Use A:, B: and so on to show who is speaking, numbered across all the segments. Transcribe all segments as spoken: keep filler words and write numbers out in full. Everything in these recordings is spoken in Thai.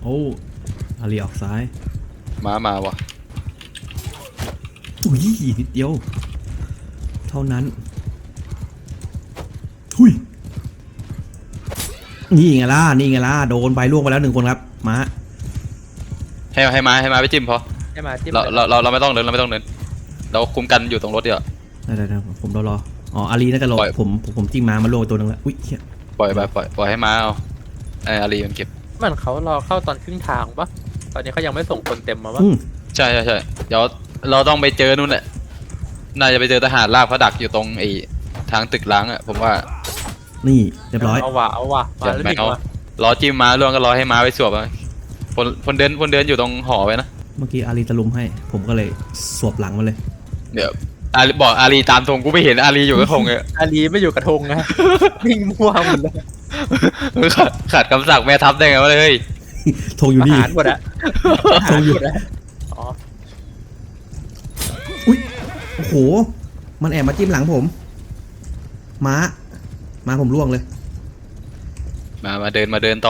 A: อ้อาลีออกซ้าย
B: มามาวะ
A: อุ้ยนิดเดียวเท่านั้นหุยนี่ไงล่ะนี่ไงล่ะโดนใบล่วงไปแล้วหนึ่งคนครับมา
B: ให้ให้มาให้มาไปจิ้มพอ
C: ให้มาจิ้ม
B: เราเราเราเราไม่ต้องเดินเราไม่ต้องเดินเราคุมกันอยู่ตรงรถเดียว
A: ได้ได้ได้ผมรอรออ๋ออาลีน่าจะรอผมผมจิ้มมามาล่วงตัวนึงแล้วอุ้ยเฮีย
B: ปล่อยไปปล่อยปล่อยให้มาเอาไออารีมันเก็บ
C: มันเขารอเข้าตอนครึ่งทางปะตอนนี้เขายังไม่ส่งคนเต็มมาปะ
B: ใช่ใช่ใช่เดี๋ยวเราต้องไปเจอนู่นแหละน่าจะไปเจอทหารลาบเขาดักอยู่ตรงไอ้ทางตึกล้างอ่ะผมว่า
A: นี่เรียบร้อย
C: เอาว่ะเอาว่ะมาแล้วดิว่ะ
B: รอจิ้มมาล่วงก็รอให้มาไปสวบคนคนเดินคนเดินอยู่ตรงหอไว้นะ
A: เมื่อกี้อารีตะลุมให้ผมก็เลยสวบหลังมาเลย
B: เดี๋ยวอารีบอกอารีตามธงกูไม่เห็นอารีอยู่กับธงเลย
C: อารีไม่อยู่กับธงนะวิ่งมั่วหมดเลย
B: ขาดขาดคำสั่งแม่ทัพได้ไงวะเลย
A: ธงอยู่นี่
C: หมดอะ
A: ธงอยู่อ๋ออุ้ยโอ้โหมันแอบมาจิ้มหลังผมม้าม้าผมล่วงเลย
B: มามาเดินมาเดินต่อ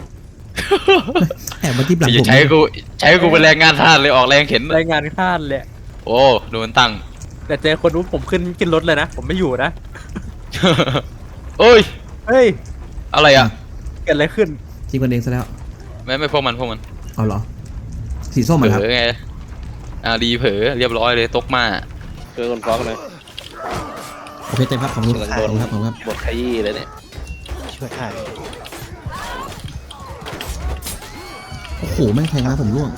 A: แอบมาจิ้มหลังผม
B: ใช้กูใช้กูเป็นแรงงานทาสเลยออกแรงเข็น
C: แรงงานทาสเลย
B: โอ้ดูมันตั้ง
C: แต่เจอคนรู้ผมขึ้นขึ้นรถเลยนะผมไม่อยู่นะ
B: เอ้ย
C: เฮ้ย
B: อะไรอ่ะ
C: เกิดอะไรขึ้น
A: จิ้มกันเองซะแล้ว
B: ไม่ไม่พวกมันพวกมัน
A: เอาเหรอสีส้มเหรอครับ
B: เผลอไงอารีเผลอเรียบร้อยเลยตกมา
D: เจอคนฟ้องเลย
A: โอเคเต็มครับขอบคุณครับขอบคุณครับขอบคุณครับ
D: บทขยี้เลยเนี่ยช่วยถ่าย
A: โอ้โหแม่งแทงมาผมร่วง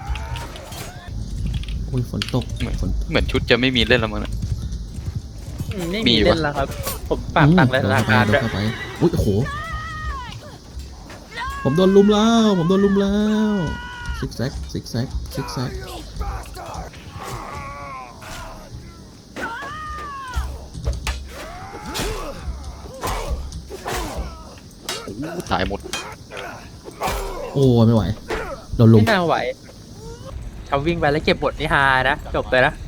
A: โอ้ยฝนตก
B: เหมือนเหมือนชุดจะไม่มีเล่นแล้วมั้งนะ
C: ไม่มีเล่นแล้วครับผมปากตักเลยสถานการณ์ด้วย
A: อุ้ยโอ้โหผมโดนลุมแล้วผมโดนลุมแล้วซิกแซกซิกแซกซิกแซก
B: ตายหมด
A: โอ้ไม่ไหวโดนลุม
C: ไม่น่าไหวทำวิ่งไปแล้วเก็บบทนิฮานะจบเลยนะ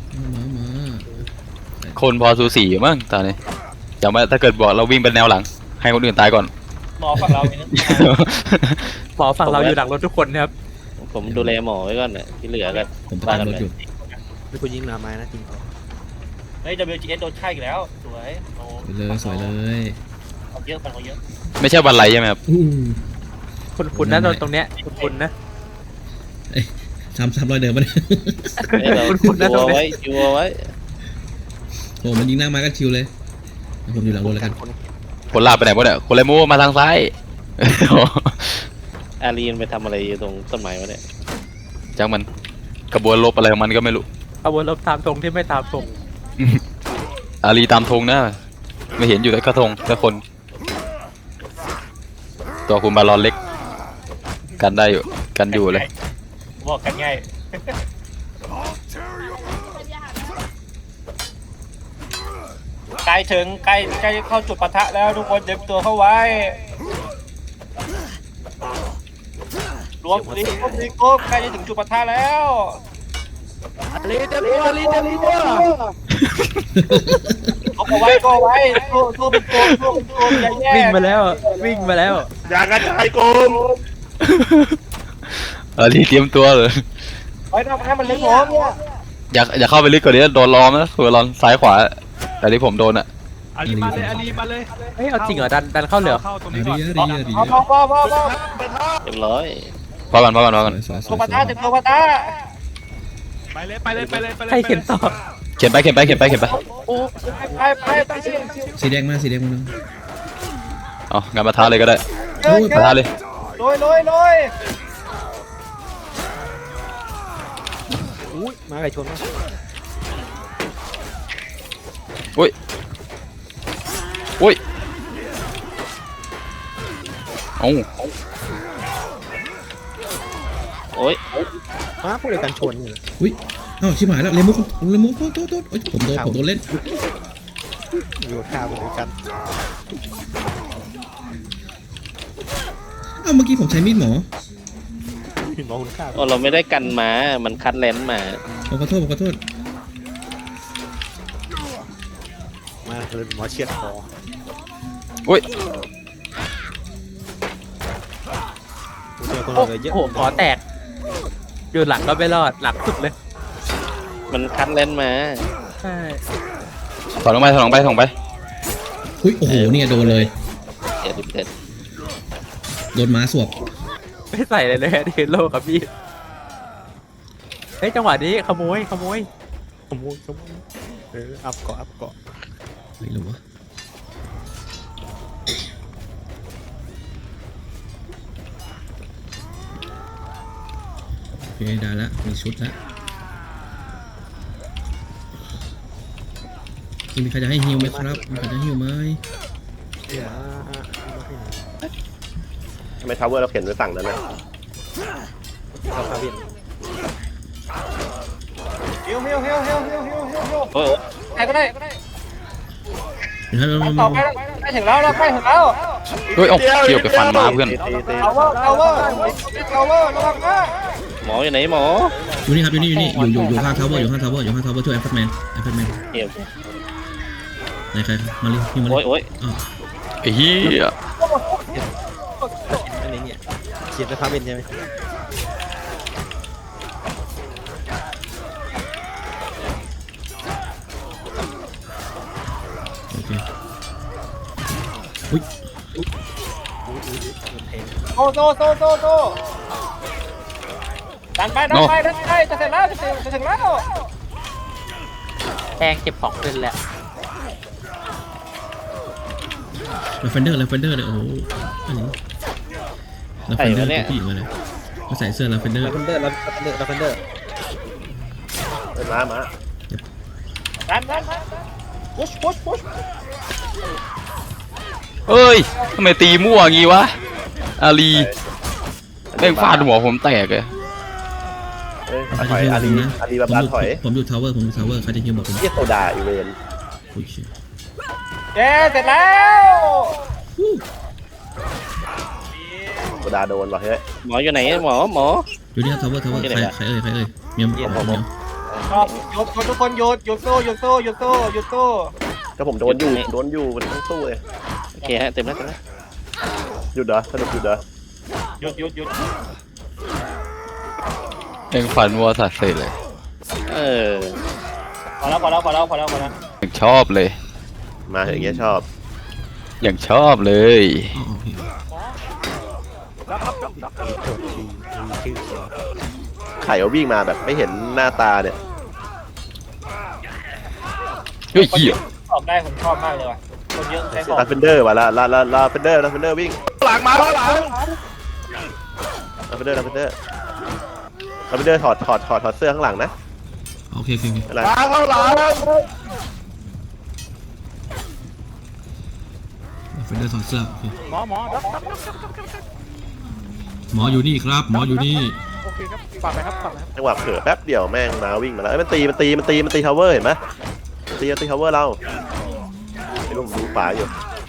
B: คนพอสูสีมั้งตอนนี้อย่ามาถ้าเกิดบอกเราวิ่งเป็นแนวหลังให้คนอื่นตายก่อน
C: หมอฝั่งเราหมอฝั่งเราอยู่หลังรถทุกคนครับ
D: ผมดูแลหมอไว้ก่อนเนี่ยที่เหลือกัน
A: ผมตามรถอยู่
C: มีคนยิงหนาไม้นะจริงเฮ้ย ดับเบิลยู จี เอส โดนฆ่าอีกแล้วสวย
A: เลยสวยเลย
C: เยอะมันเยอะ
B: ไม่ใช่วันไรใช่ไหมครับ
C: คุณคุณนะตรงเนี้ยคุณคุณนะ
A: ทำทำรอยเดิมมาเนี่ย
D: คุณคุณนะตรงนี้อยู่ไว้
A: โอ้มันยิงหน้าไม้ก็ชิวเลยผมอยู่หลังรถแล้วกัน
B: คนลาไปไหนวะเนี่ยคนเลยมูมาทางซ้าย
D: อารีนไปทำอะไรอยู่ตรงต้นไม้วะเนี่ย
B: จังมันกระบวนลบอะไรของมันก็ไม่รู้
C: กระบวนลบตามธงที่ไม่ตามธง
B: อารีตามธงนะไม่เห็นอยู่แต่กระทงแต่คนตัวคุณบาลอนเล็กกันได้อยู่กันอยู่เลย
C: บอกกันง่ายใกล้ถึงใกล้ใกล้เข้าจุดปะทะแล้วทุกคนเตรียมตัวเข้าไว้รวมรีบรีบก็ใกล้จะถึงจุดปะทะแล้วรีบรีบรีบรีบเอาไว้ก็ไว้ตัวตัวเป็นตัวตัวเป็นตัวใหญ่แย่วิ่งมาแล้ววิ่งมาแล้ว
D: อย่ากระจายกลม
B: เออรีบเตรียมตัวเลย
C: ไว้ทำให้มันเล็กน้อยเนี่ย
B: อยากอยากเข้าไปลึกกว่านี้โดนล้อมนะคือล้อมซ้ายขวาแต่ที่ผมโดนอะ
C: อาลีมาเลยอาลีมาเลยเฮ้ยเอาจริงเหรอดันดันเข้าเหลือ
A: อาลีอาลีอาลี
C: พอพอพอพอ
D: เรียบร้อย
B: พอกันพอกันพอกัน
C: ตัวปะทะถึงตัวปะทะไปเลยไปเลยไปเลยใครเขียนต่อ
B: เขียนไปเขียนไปเขียนไปเขียนไป
C: โอ้ไปไปไป
A: สีแดงมาสีแดงมา
B: อ๋องานมาท้าเลยก็ได้มาท้าเลย
C: โรยโรยโรยอุ้ยมาไก่ชนมา
B: อุ้ยอุ้ยโอ้
D: โอ้ย
C: มาพูดเลยกันชน
A: อุ้ยอ้าวชิบหายแล้วเลมุกเลมุกโทษโทษโทษผมโดนผมโดนเล่น
C: อยู่ข้าวเหมือนกัน
A: อ้าวเมื่อกี้ผมใช้มีดหมอ
C: หมอคุณข้าว
D: อ๋อเราไม่ได้กันมามันคัดเลนมา
A: ผมขอโทษผมขอโทษ
C: มาเลยหมอเชียดคอ
B: อุ้ย
E: คน
C: โอ้
E: เหลือเยอะ
C: โหขอแตกอยู่หลังก็ไม่รอดหลังสุดเลย
D: มันคัดเลนส์มา
C: ใช่
B: ถอยลงไปถอยลงไปถอยลงไป
A: อุ้ยโอ้โหเนี่ยโดนเลย
D: เจ็ดสิบเจ็ด
A: โดนม้าสวบ
C: ไม่ใส่เลยเลยเทนโลครับพี่เฮ้ยจังหวะนี้ขโมยขโมย
E: ขโมยขโมยเอออัพเกาะอัพเกาะ
A: ไม่รู้วะโอเคได้ละมีชุดละมีใครจะให้ฮิวไหมครับมีใครจะให้ฮิวไหม
E: เดี๋ยวเอามาให้หน่อย
F: ทำไมทาวเวอร์เราเข็นไว้ฝั่งนั้นนะ
E: เราพาวิน
C: เฮียวเฮียวเฮียวเฮียวเฮียวเฮียวเฮียวเฮียว
D: โอ้ย
C: ใครก็ได้ก็ได้
A: เดี๋ยวเรา
C: ต่อไปใกล้ถึงแล้วเราใกล้ถึงแล้ว
B: เฮ้ยเอาเกี่ยวไปฟันม้าเพื่อน
F: ตีตีตี
C: ทาวเวอร์ทาวเวอร์ทาวเวอร์ระวังนะ
D: หมออยู่ไหนหมอ
A: อยู่นี่ครับอยู่นี่อยู่นี่อยู่อยู่อยู่ข้างทาวเวอร์อยู่ข้างทาวเวอร์อยู่ข้างทาวเวอร์ช่วยแอฟเฟอร์แมนแอฟเฟอร์แมน
D: เกี่ยว
A: ไหนใครมาเลยฮิวมาเล
D: โอ้ย
A: ย
D: โอ้ย
A: อ้าว
B: ไอ้เหี้ย
E: อันนี้เนี่ยเขียนไปพาวินใช่ไหม
A: โอเคอุ้ย
C: โซโซโซโซโซดันไปดันไปดันไปจะเสร็จแล้วจะถึงจะถึงแล้วแทงเก็บของขึ้นแล้ว
A: ลาเฟนเดอร์ลาเฟนเดอร์เลยโอ้โหอันนี้ลาเฟนเดอร์ตัวผู้หญิงมาเลยเขาใส่เสื้อลาเฟนเดอร์
E: ลาเฟนเดอร์ลาเฟนเดอร์ลาเฟนเดอร์
F: เอ้ยมามา
C: ดันดันดันพุชพุชพุช
B: เอ้ยทำไมตีมั่วงี้วะอาลีแม่งฟาดหัวผมแตกเลย
F: เอ้ย
A: ใคร
F: ถ
A: จะ
F: อย
A: ฮิว
F: อา
A: ผ
F: ลี
A: มนะ
F: อาลี
A: ผ
F: บาม บา
A: อยู่
F: ถอย
A: ผมอยู่ทาวเวอร์ผมอยู่ทาวเวอร์ใครจะฮิวบอกผม
F: เรียกโซดาอีเวน
A: โอ้ยเชี่ย
C: เย้เสร็จแล้ว
F: โซดาโดนว่ะเฮ้ย
D: หมออยู่ไหนหมอหมอ
A: อยู่นี่ครับทาวเวอร์ทาวเวอร์ใครใครเอ่ยใครเอ่ยเมียมเมียมเมียม
C: ชอบหยุดหยุดทุกคนหยุดหยุดสู้หยุดสู้หยุดสู้หยุดสู้
F: ก็ผมโดนอยู่โดนอยู่มันต้องสู้เลย
D: โอเคฮะเต็มแล้วเต็มแล้ว
F: หยุดเหรอสนุกหยุดเหรอ
C: หยุดหยุดหยุด
B: แม่งฟันวัวสัตว์เสร็จเลย
D: เออ
C: พอแล้วพอแล้วพอแล้วพอแล้วพอแล้ว
B: อย่างชอบเลย
F: มาอย่างเงี้ยชอบ
B: อย่างชอบเลย
A: อ๋อโอเค
E: ชื่อเขียว
F: ไข่เอาวิ่งมาแบบไม่เห็นหน้าตาเนี่ย
B: เฮ้ยเหี้ย
C: ออกได้ผมชอบมากเลยว่ะคนเยอะใช้ของ
F: ลาเฟนเดอร์ว่ะลาลาลาลาเฟนเดอร์ลาเฟนเดอร์วิ่ง
D: หลังมาหลัง
F: ลาเฟนเดอร์ลาเฟนเดอร์ลาเฟนเดอร์ถอดถอดถอดถอดเสื้อข้างหลังนะ
A: โอเคโอเคโอเค
F: อะไร
A: ลาเฟนเดอร์ถอดเสื้อโอเค
C: หมอหมอ
A: หมออยู่นี่ครับหมออยู่นี่
C: โอเคครับฝากไปครับฝากไปครับ
F: จังหวะเผลอแป๊บเดียวแม่งมาวิ่งมาแล้วเอ้ยมันตีมันตีมันตีมันตีทาวเวอร์เห็นไหมมันตีมันตีทาวเวอร์เราไอ้ลูกดูฝาอยู่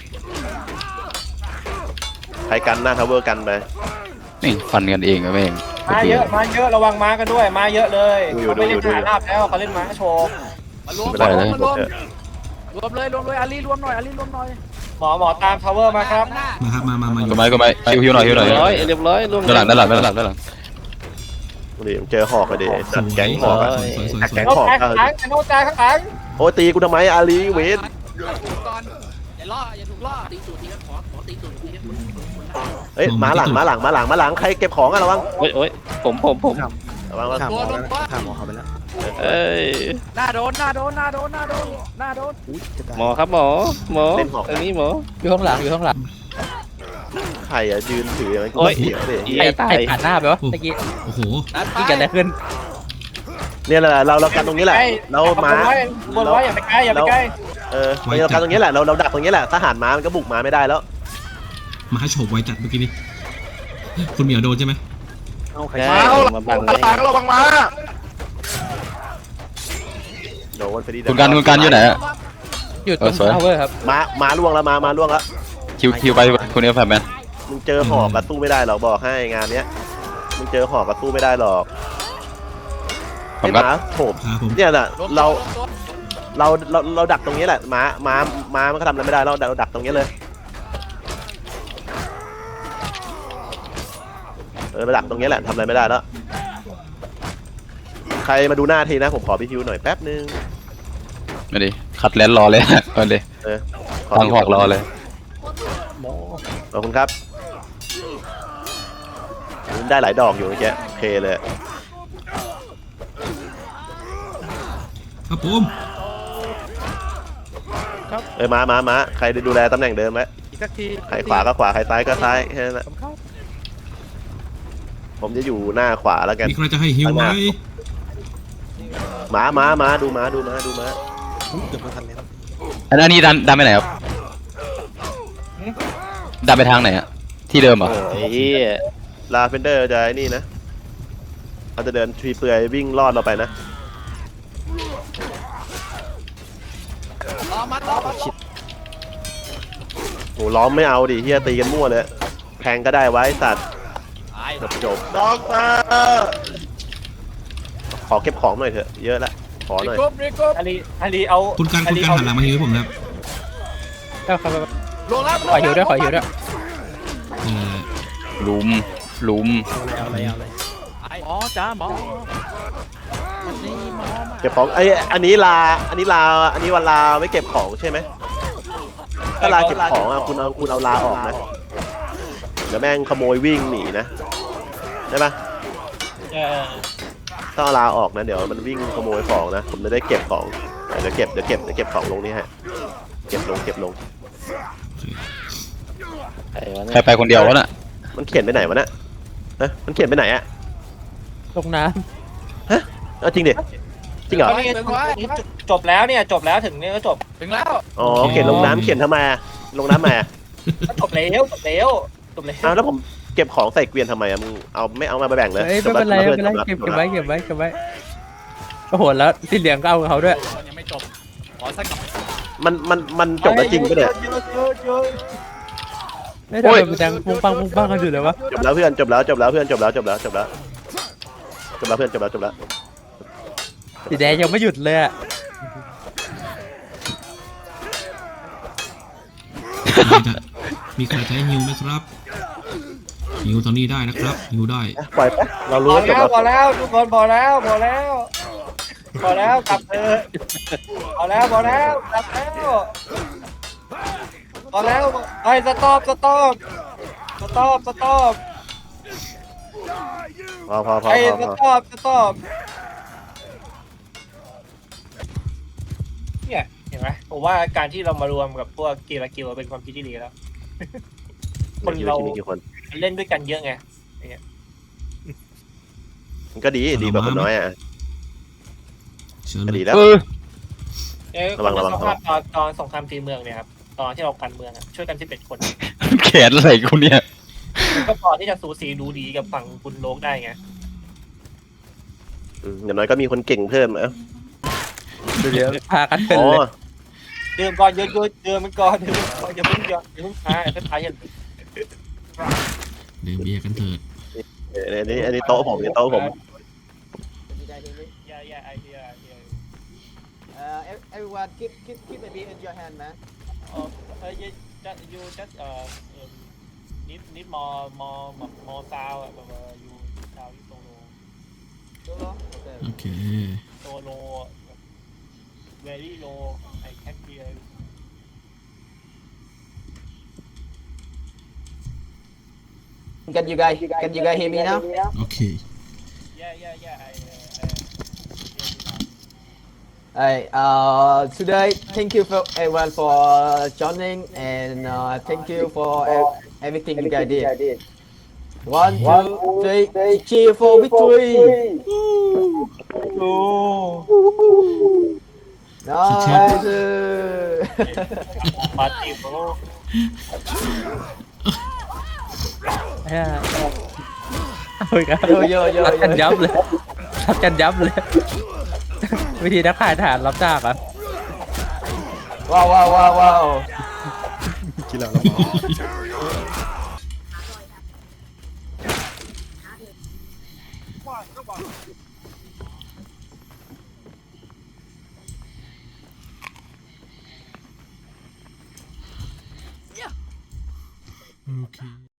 F: ใครกันหน้าทาวเวอร์กันไป
B: นี่ฟันกันเองอะแม่ง
C: มาเยอะมาเยอะระวังม้ากันด้วยมาเยอะเลยเขาไม่เล่นขาลาบแล้วเขาเล่นม้าโชว์
F: ไม่ได้เลยเออ
C: รวมเลยรวมเลยอาลีรวมหน่อยอาลีรวมหน่อยหมอหมอตามทาวเวอร์มาครับ
A: มาครับมามามาอยู่
B: ก็ไม่ก็ไม่ฮิวฮิวหน่อยฮิวหน่อย
D: เรียบร้อยเรียบร้อยรวม
B: ด้านหลังด้านหลังด้านหลังด้านหลัง
F: ดิเจอหอกเลยดิจัดแก๊งหอกอะ
A: สวยสวยสวย
F: แก๊ง
C: โน้
F: หอก
C: ตาย
F: อะ
C: ข้างหลังโน้ตตายข้างหลัง
F: โอ้ยตีกูทำไมอาลีเวน
G: อย่าล่ออย่าถูกล่อตีสูตรทีครับขอขอตีสูตรทีครับ
F: เฮ้ยมาหลังมาหลังมาหลังมาหลังใครเก็บของอะระวัง
D: โอ้ยโอ้ยผมผมผม
F: ระวังระวัง
E: ข้ามหมอแล้วนะข้ามหมอเขาไปแล้ว
D: เอ้ย
C: หน้าโดนหน้าโดนหน้าโดนหน้าโดนหน้าโดน
E: อุ้ยจะตาย
D: หมอครับหมอหมอตรงนี้หมอ
C: อยู่ข้างหลังอยู่ข้างหลัง
F: ใครอะยืนถืออย่างนั้นกู
D: โอ้ย
F: เสียวดิ
D: เหี้
C: ไอ้
D: ยตา
C: ไอ้
D: ย
C: ผ่านหน้าไปวะเมื่อกี้
A: โอ้โห
C: ที่เกิดอะไรขึ้น
F: เนี่ยแหละเราเรากันตรงนี้แหละเราม้า
C: บนไว้อย่าไปใกล้อย่าไปใกล้
F: เออเรากันตรงนี้แหละเราเราดักตรงนี้แหละทหารม้ามันก็บุกมาไม่ได้แล้ว
A: มาให้โฉบไวจัดเมื่อกี้นี้คุณเหมียวโดนใช่ไหม
E: เอาใคร
D: ใช่มาบังเลย
F: โดนไปดิ
B: คุณการคุณการอยู่ไหนอะ
C: อยู่ตรง
B: เออสวย
C: ทาวเวอร์ครับ
F: ม้าม้าล่วงแล้วม้าม้าล่วงแล้ว
B: คิวคิวไปคุณเอฟแฟร์แมน
F: มึงเจอหอกกับสู้ไม่ได้หรอกบอกให้งานเนี้ยมึงเจอหอกกับสู้ไม่ได้หรอก
B: ผ
F: ไอ้
B: ม
F: ห
B: ก็
F: มาโถม
A: ครับผม
F: เนี่ยน่ะเราเราเราเราดักตรงนี้แหละม้าม้าม้ามันก็ทำอะไรไม่ได้เราเราดักตรงนี้เลยเออมาดักตรงนี้แหละทำอะไรไม่ได้แล้วใครมาดูหน้าทีนะผมขอพี่ฮิวหน่อยแป๊บนึง
B: มาดิขัดแลนรอเลย มาดิ
F: เออ
B: ทางหอกรอเลย
F: ขอบคุณครับได้หลายดอกอยู่เมื่อกี้โอเคเลย
A: ครับผม
F: เออมามามาใครดูแลตำแหน่งเดิมไว้
E: อีกสักที
F: ใครขวาก็ขวาใครซ้ายก็ซ้ายแค่นั้นแหละ
E: ผมเข้า
F: ผมจะอยู่หน้าขวาแล้วกัน
A: มีใครจะให้ฮิวไหม
F: หมาหมาหมาดูหมาดูหมาดูหมา
E: อุ๊ยเกือบไม่ทันแล้ว
B: อันนี้ดันดันไปไหนครับดันไปทางไหนอะที่เดิมเหรอ
D: โอ้ยเหี้ย
F: ลาเฟนเดอร์จะไอ้นี่นะเขาจะเดินทรีเปลือยวิ่งลอดเราไปนะ
G: รอมัดรอมัดรอ
F: โหล้อมไม่เอาดิเฮียตีกันมั่วเลยแทงก็ได้ไว้สัตว์
G: ตาย
F: จบจบด็อกเตอร์ขอเก็บของหน่อยเถอะเยอะละขอหน่อย
G: กบรีกบ
C: อาลีอาลีเอา
A: คุณการคุณการหันหลังมาฮิวให้ผมนะครับ
E: เอาครับ
G: ลงแล้ว
E: ขอหิวด้วยขอหิวด้วย
A: เออ
B: ลุมลุม
E: เอาเลยเอาเลย
G: หมอจ้าหมอ
F: เก็บของไอ้ยอันนี้ลาอันนี้ลาอันนี้วันลาไม่เก็บของใช่ไหมถ้าลาเก็บของอ่ะคุณเอาคุณเอาลาออกนะเดี๋ยวแม่งขโมยวิ่งหนีนะได้ปะ
C: เออ
F: ถ้าเอาลาออกนะเดี๋ยวมันวิ่งขโมยของนะผมจะได้เก็บของเดี๋ยวเก็บเดี๋ยวเก็บเดี๋ยวเก็บของลงนี่ฮะเก็บลงเก็บลง
D: ใครวะ
B: ใคร
D: เนี่ย
B: ไปคนเดียววะน่ะ
F: มันเขียนไปไหนวะเนี่ยฮะมันเขียนไปไหนอะ
E: ลงน้
F: เอาจริงดิจริงเหรอ
C: ตอนนี้จบแล้วเนี่ยจบแล้วถึงเนี่ยก็จบ
G: ถึงแล้ว
F: อ๋อเขียนลงน้ำเขียนทำไมอะลงน้ำมา
C: ก็จบแล้วจบแล้วจบแล้ว
F: อ้าวแล้วผมเก็บของใส่เกวียนทำไมอะมึงเอาไม่เอามาไปแบ่ง
E: ำ
F: เลย
E: เอ้ยไม่เป็นไรไม่เป็นไรเก็บเก็บไว้เก็บไว้เก็บไว้โอ้โหแล้วสีเหลืองก็เอากับเขาด้วย
G: ยังไม่จบขอสักกับ
F: มันมันมันจบแล้วจริงปะเนี่ย
C: เยอะเยอะเยอะ
E: เฮ้ยทำไมมันดังปุ้งปังปุ้งปังกันอยู่เลยวะ
F: จบแล้วเพื่อนจบแล้วจบแล้วเพื่อนจบแล้วจบแล้วจบแล้วจบแล้วเพื่อนจบแล้วจบแล้ว
E: สีแดงยังไม่หยุดเลยอะ
A: มีใครจะให้ฮิวไหมครับฮิวตอนนี้ได้นะครับฮิวได้
F: ปล่อยไปเรา
C: พ
F: รู้
C: อ
F: ว่าจบ
C: แล้ว
F: แล้ว
C: พอแล้วทุกคนพอแล้วพอแล้วพอแล้วกลับเถอะพอแล้วพอแล้วกลับแล้วพอแล้วไอ้สต็อปสต็อปสต็อปสต็อป
F: พอพอพอ
C: ไอ้
F: พอ
C: ส
F: พอ
C: ต็อปสต็อปเนี่ยเห็นไหมผมว่าการที่เรามารวมกับพวกกีฬากิลเป็นความคิดที่ดีแล้ว คนเรา
F: มีกี่คน
C: เล่นด้วยกันเยอะไง
F: มันก็ดีดีกว่าคนน้อยอ่ะ
A: เชิญ
F: ก็
A: เล
F: ดี
A: ย
F: แล้ว
B: เออ
C: เอ้ย
F: ระวังระวัง
C: สภาพตอนตอนสงครามตีเมืองเนี่ยครับตอนที่เรากันเมืองอะช่วยกันสิบเอ็ดคน
B: แขนอะไรกูเนี่ย
C: ก็พอที่จะสูสีดูดีกับฝั่งคุณโลกได้ไง
F: อืมอย่างน้อยก็มีคนเก่งเพิ่มเอ้า
E: เดี๋ยวพากันเป็น
F: อ๋อ
E: เลย
C: เดิมก่อนเยอะๆเดิมมันก่อนเดิมมันก่อนอย่าเพิ่งอย่าอย่าเพิ่งท้ายถ้าท้ายอย่า
A: เดี๋ยวเบียร์กันเถิด
F: อันนี้อันนี้โต๊ะผมนี่โต๊ะผม
C: อย่าอย่าไอเดียไอเดีย
H: Uh, ev- everyone, keep keep keep a beer in your hand, man.
C: เออเออ you just you just เอ่อ need need more more more sound อะแบบ you sound ที่โซโล
H: Solo. Okay.
A: โอเค
C: โซโล very low I can't hear
H: Can you guys can you guys hear me now?
A: โอเค
C: yeah yeah yeah I
H: Alright. Uh, today, thank you for everyone for joining, and uh, thank you for ev- everything you guys did. One, two, three, cheer for victory! Nice.
C: ปาร์ตี้โบ
E: เฮ้ยเอาอีกแล้ว
H: Yo yo yo
E: ทัดกัน
H: yo.
E: ยับเลยทัดกันยับเลย วิธีนักขายฐานรับจ้างอ่ะ
H: Wow wow wow wow.
E: กินแล้วเราเมา
C: เ